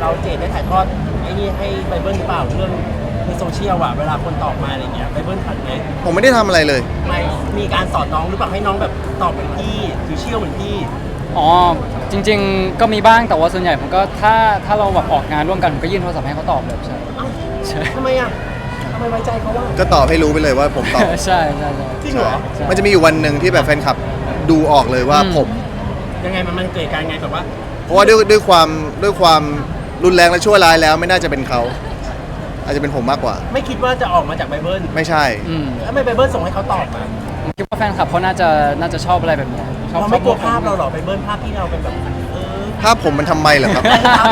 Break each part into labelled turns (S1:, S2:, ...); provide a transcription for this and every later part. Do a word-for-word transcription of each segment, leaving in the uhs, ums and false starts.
S1: เราเจดได้ถ่ายทอดไอ้นี่ให้ไบเบิลหรือเปล่าเรื่องในโซเชียลอะเวลาคนตอบมาอะไรเงี้ยไบเบิลทันไหม
S2: ผมไม่ได้ทำอะไรเลย
S1: ไม่มีการสอนน้องหรือเปล่าให้น้องแบบตอบเหมือนพี่หรือเชี่ยวเหมือนพี่
S3: อ๋อจริงๆก็มีบ้างแต่ว่าส่วนใหญ่ผมก็ถ้าถ้าเราแบบออกงานร่วมกันผมก็ยื่นโทรศัพท์ให้เขาตอบเลยใช่
S1: เอ้า
S3: ใช่
S1: ทำไมอะทำไมไว้ใจเขาว่า
S2: ก็ตอบให้รู้ไปเลยว่าผมตอบ
S3: ใช่ใช่ใช่
S1: จริงเหรอ
S3: ใช่
S2: มันจะมีอยู่วันหนึ่งที่แบบแฟนคลับดูออกเลยว่า
S3: อืม
S2: ผม
S1: ยังไงมันมันเกิดการไงแบบว่า
S2: เพราะว่าด้วยด้วยความด้วยความรุนแรงและชั่วร้ายแล้วไม่น่าจะเป็นเขา อาจจะเป็นผมมากกว่า
S1: ไม่คิดว่าจะออกมาจากไบเบิล
S2: ไม่ใช่
S3: อืม
S1: แล้วทำไมไบเบิลส่งให้เขาตอบมา
S3: ผมคิดว่าแฟนคลับเขาน่าจะน่าจะชอบอะไรแบบเนี้ยชอบ
S1: เราไม่กลัว
S3: ชอบ
S1: ภาพเราหรอไบเบิลภาพที่เราเป็นแบบเออ
S2: ภาพผมมันทำไมเหรอครับ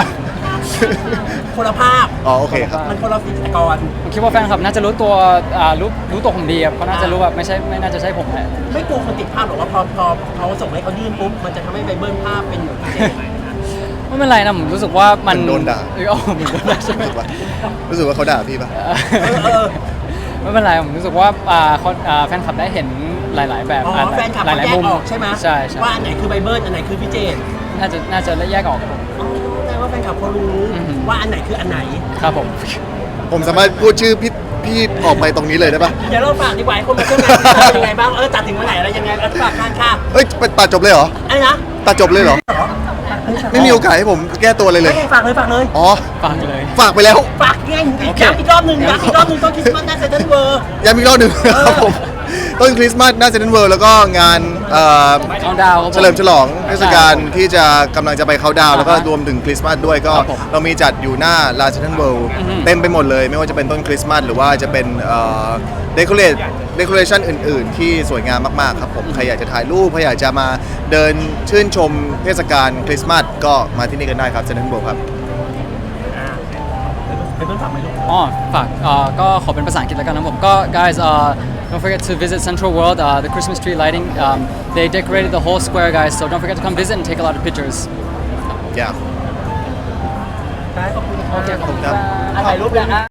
S1: คนละภาพ
S2: อ๋อโอเคครับ
S1: มันคนละฟิกร
S3: ผมคิดว่าแฟนคลับน่าจะรู้ตัวอ่ารู้รู้ตัวผมดีครับเขาน่าจะรู้ว่าไม่ใช่ไม่น่าจะใช่ผมแหละ
S1: ไม่กลัวคนติดภาพหรอกว่าพอพอเขาส่งให้เขายื่นปุ๊บมันจะทำให้ไบเบิลภาพเป็นเหมือนพี่เจไหม
S3: ไม่เป็นไรนะผมรู้สึกว่ามัน
S2: เหมือนโดนด่า
S3: เออเอาเหมือนโดนด่าใช่ไหม
S2: รู้สึกว่ารู้สึกว่าเขาด่าพี่ปะ
S1: เออเออ
S3: ไม่เป็นไรผมรู้สึกว่าอ่าคนอ่าแฟนคลับได้เห็นหลาย ๆ แบบ
S1: อ๋อ
S3: อ่า
S1: แฟนคลับ
S3: ห
S1: เขา
S3: ลาย
S1: แย
S3: ๆ
S1: ก
S3: มุม
S1: ออกใช่ไหม
S3: ใช่ใช่
S1: ว่าอันไหนคือไบเบิลอันไหนคือพี่เจน
S3: น่าจะน่าจะแยกออกครับผม
S1: อ๋อแปลว่าแฟนคลับเขารู้
S3: อือหือ
S1: ว่าอันไหนคืออันไหน
S3: ครับผม
S2: ผมสามารถพูดชื่อพี่พี่ออกไปตรงนี้เลยได้ปะ
S1: เดี๋ยวเราฝากดีกว่าให้คนมาเที่ยวงานเป็นยังไงบ้างเออจัดถึงวันไหนอะไรยังไงเออฝากงานค่ะ
S2: เอ้ยตัดจบเลยเหรอ
S1: อะไรนะ
S2: ตัดจบเลยเหรอ ไม่มีโอกาสให้ผมแก้ตัวเลยเลย
S1: ไม่ฝากเลยฝากเลย
S2: อ๋อ
S3: ฟังเลย
S2: ฝากไปแล้ว
S1: ฝากไง
S3: โอเค
S1: ย้ำอีกรอบหนึ่งย้ำอีกรอบหนึ่งต้นคริสต์มาสหน้าเซ็นทรัลเวิลด์
S2: ย้ำอีกรอบหนึ่งครับผม ต้นคริสต์มาสหน้าเซนต์เวิลด์แล้วก็งานเอ่อ
S3: เอาดาวครับผม
S2: เฉลิมฉลองเทศกาลที่จะกำลังจะไปเขาน์ดาวน์แล้วก็
S3: อ่าฮะ
S2: รวมถึงคริสต์มาสด้วยก็
S3: ครับผม
S2: เรามีจัดอยู่หน้าลานเซนต์เวิลด์
S3: อือฮึ
S2: เต็มไปหมดเลย ไม่ว่าจะเป็นต้นคริสต์มาสหรือว่าจะเป็นเดคอเรทเดคอเรชันอื่นๆ ที่สวยงามมากๆครับผมใครอยากจะถ่ายรูปใครอยากจะมาเดินชื่นชมเทศกาลคริสต์มาสก็มาที่นี่กันได้ครับเซนต์เวิลด์ครับ
S1: อ่าเป็นต้นฝากไหมลูก
S3: อ๋อฝากเอ่อก็ขอเป็นภาษาอังกฤษแล้วกันนะผมก็ guys uh, don't forget to visit Central World uh, the Christmas tree lighting um, they decorated the whole square guys so don't forget to come visit and take a lot of pictures
S2: อย่า
S1: ได้ขอบคุณ
S3: โอเคขอบคุณ
S2: ครับ
S1: อ่ะถ่ายรูปเลยนะ